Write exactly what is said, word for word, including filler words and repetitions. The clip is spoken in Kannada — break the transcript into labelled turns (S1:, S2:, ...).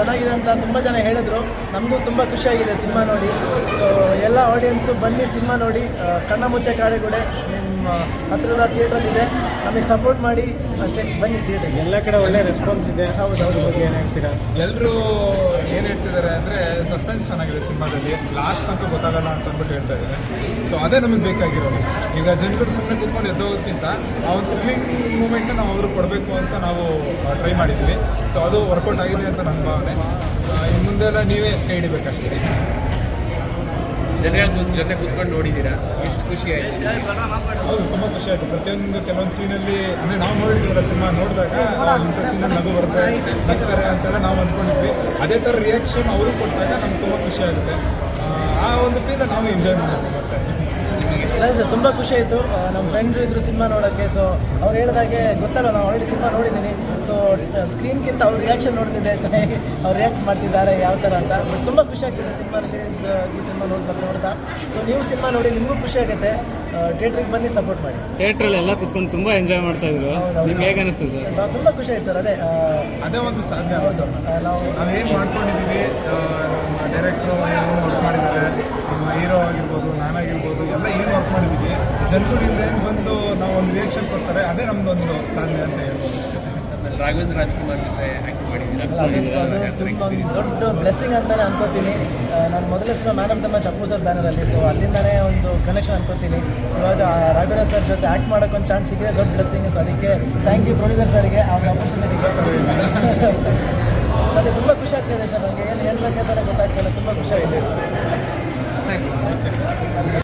S1: ಚೆನ್ನಾಗಿದೆ ಅಂತ ತುಂಬ ಜನ ಹೇಳಿದ್ರು. ನಮಗೂ ತುಂಬ ಖುಷಿಯಾಗಿದೆ ಸಿನಿಮಾ ನೋಡಿ. ಸೊ ಎಲ್ಲ ಆಡಿಯನ್ಸು ಬನ್ನಿ ಸಿನಿಮಾ ನೋಡಿ. ಕಣ್ಣ ಮುಚ್ಚೆ ಕಾಡೆಗುಡೆ ನಿಮ್ಮ ಹತ್ತಿರದ ಥಿಯೇಟ್ರಲ್ಲಿದೆ, ನಮಗೆ ಸಪೋರ್ಟ್ ಮಾಡಿ ಅಷ್ಟೇ. ಬನ್ನಿ ಥಿಯೇಟ್ರಿಗೆ.
S2: ಎಲ್ಲ ಕಡೆ ಒಳ್ಳೆ ರೆಸ್ಪಾನ್ಸ್ ಇದೆ. ಹೌದು ಹೌದು ಬಗ್ಗೆ ಏನು ಹೇಳ್ತೀರಾ?
S3: ಎಲ್ಲರೂ ಏನು ಹೇಳ್ತಿದ್ದಾರೆ ಅಂದರೆ ಸಸ್ಪೆನ್ಸ್ ಚೆನ್ನಾಗಿದೆ ಸಿನಿಮಾದಲ್ಲಿ, ಲಾಸ್ಟ್ ಅಂತೂ ಗೊತ್ತಾಗಲ್ಲ ಅಂತ ಅಂದ್ಬಿಟ್ಟು ಹೇಳ್ತಾ ಇದ್ದಾರೆ. ಸೊ ಅದೇ ನಮಗೆ ಬೇಕಾಗಿರೋದು. ಈಗ ಜನಗಳು ಸುಮ್ಮನೆ ಕೂತ್ಕೊಂಡು ಎದ್ದೋಗೋದಕ್ಕಿಂತ ಆ ಒಂದು ಥ್ರಿಲ್ಲಿಂಗ್ ಮೂಮೆಂಟ್ನ ನಾವು ಅವರು ಕೊಡಬೇಕು ಅಂತ ನಾವು ಟ್ರೈ ಮಾಡಿದ್ವಿ. ಸೊ ಅದು ವರ್ಕೌಟ್ ಆಗಿದೆ ಅಂತ ನನ್ನ ಭಾವನೆ. ಇನ್ನು ಮುಂದೆ ಎಲ್ಲ ನೀವೇ ಕೈ ಹಿಡಿಬೇಕಷ್ಟೇ.
S4: ಜನರ ಜೊತೆ ಕೂತ್ಕೊಂಡು ನೋಡಿದ್ದೀರಾ, ಎಷ್ಟು ಖುಷಿ ಆಯಿತು?
S3: ಹೌದು, ತುಂಬ ಖುಷಿ ಆಯಿತು. ಪ್ರತಿಯೊಂದು ಕೆಲವೊಂದು ಸೀನಲ್ಲಿ ಅಂದರೆ ನಾವು ನೋಡಿದ್ದೀವಲ್ಲ ಸಿನಿಮಾ ನೋಡಿದಾಗ ಇಂಥ ಸೀನಲ್ಲಿ ನಗು ಬರುತ್ತೆ, ನಗ್ತಾರೆ ಅಂತೆಲ್ಲ ನಾವು ಅಂದ್ಕೊಂಡಿದ್ವಿ. ಅದೇ ಥರ ರಿಯಾಕ್ಷನ್ ಅವರು ಕೊಟ್ಟಾಗ ನಮ್ಗೆ ತುಂಬ ಖುಷಿ ಆಗುತ್ತೆ. ಆ ಒಂದು ಫೀಲ್ ನಾವು ಎಂಜಾಯ್ ಮಾಡ್ತೀವಿ. ಮತ್ತೆ
S1: ಅದೇ ಸರ್, ತುಂಬ ಖುಷಿ ಆಯಿತು. ನಮ್ಮ ಫ್ರೆಂಡ್ಸು ಇದ್ರು ಸಿನಿಮಾ ನೋಡೋಕ್ಕೆ. ಸೊ ಅವ್ರು ಹೇಳಿದಾಗೆ ಗೊತ್ತಲ್ಲ, ನಾವು ಆಲ್ರೆಡಿ ಸಿನಿಮಾ ನೋಡಿದ್ದೀನಿ. ಸೊ ಸ್ಕ್ರೀನ್ಗಿಂತ ಅವ್ರ ರಿಯಾಕ್ಷನ್ ನೋಡ್ತಿದ್ದೆ, ಚೆನ್ನಾಗಿ ಅವ್ರು ರಿಯಾಕ್ಟ್ ಮಾಡ್ತಿದ್ದಾರೆ ಯಾವ ಥರ ಅಂತ. ಬಟ್ ತುಂಬ ಖುಷಿ ಆಗ್ತಿದೆ ಸಿನಿಮಾ ರಿಲೀಸ್ ಈ ಸಿನಿಮಾ ನೋಡ್ಬೇಕು ನೋಡ್ತಾ. ಸೊ ನೀವು ಸಿನಿಮಾ ನೋಡಿ, ನಿಮಗೂ ಖುಷಿ ಆಗುತ್ತೆ. ಥಿಯೇಟ್ರಿಗೆ ಬನ್ನಿ, ಸಪೋರ್ಟ್ ಮಾಡಿ.
S2: ಥಿಯೇಟ್ರಲ್ಲಿ ಎಲ್ಲ ಕುತ್ಕೊಂಡು ತುಂಬ ಎಂಜಾಯ್ ಮಾಡ್ತಾ ಇದ್ರು. ನಿಮ್ಗೆ ಹೇಗೆ ಅನಿಸ್ತು ಸರ್?
S1: ತುಂಬ ಖುಷಿ ಆಯ್ತು ಸರ್. ಅದೇ
S3: ಅದೇ ಒಂದು ಸಾಧನೆ ಅಲ್ಲ ಸರ್.
S1: ನಾವು
S3: ನಾವೇನು ಮಾಡ್ಕೊಂಡಿದ್ದೀವಿ, ನಮ್ಮ ಡೈರೆಕ್ಟ್ರು ಏನು ವರ್ಕ್ ಮಾಡಿದ್ದಾರೆ, ನಮ್ಮ ಹೀರೋ ಆಗಿರ್ಬೋದು, ನಾನಾಗಿರ್ಬೋದು, ಎಲ್ಲ ಏನು ವರ್ಕ್ ಮಾಡಿದ್ದೀವಿ, ಜನಗಳಿಂದ ಏನು ಬಂದು ನಾವು ಒಂದು ರಿಯಾಕ್ಷನ್ ಕೊಡ್ತಾರೆ, ಅದೇ ನಮ್ಮದೊಂದು ಸಾಧನೆ ಅಂತ ಹೇಳ್ಬೋದು ಅಷ್ಟೇ.
S4: ಆಮೇಲೆ ರಾಘವೇಂದ್ರ ರಾಜ್ಕುಮಾರ್ ಜೊತೆ ಆ್ಯಕ್ಟ್ ಮಾಡಿದ್ದೀರಾ,
S1: ಅದು ತುಂಬ ಒಂದು ದೊಡ್ಡ ಬ್ಲೆಸ್ಸಿಂಗ್ ಅಂತಲೇ ಅನ್ಕೋತೀನಿ. ನಾನು ಮೊದಲೇ cinema man of the match Appu sir ಬ್ಯಾನರಲ್ಲಿ. ಸೊ ಅಲ್ಲಿಂದನೇ ಒಂದು ಕನೆಕ್ಷನ್ ಅನ್ಕೋತೀನಿ. ಇವಾಗ ರಾಘವೇಂದ್ರ ಸರ್ ಜೊತೆ ಆ್ಯಕ್ಟ್ ಮಾಡೋಕ್ಕೊಂದು ಚಾನ್ಸ್ ಸಿಕ್ಕಿದೆ, ದೊಡ್ಡ ಬ್ಲೆಸ್ಸಿಂಗ್. ಸೊ ಅದಕ್ಕೆ ಥ್ಯಾಂಕ್ ಯು ಪ್ರೊಡ್ಯೂಸರ್ ಸರ್ಗೆ ಆ ಆಪರ್ಚುನಿಟಿಗೆ. ಅದೇ ತುಂಬ ಖುಷಿ ಆಗ್ತಿದೆ ಸರ್. ನನಗೆ ಏನು ಹೇಳ್ಬೇಕಂತ ಗೊತ್ತಾಗ್ತಿಲ್ಲ, ತುಂಬ ಖುಷಿ ಆಗಿದೆ.
S3: Thank you.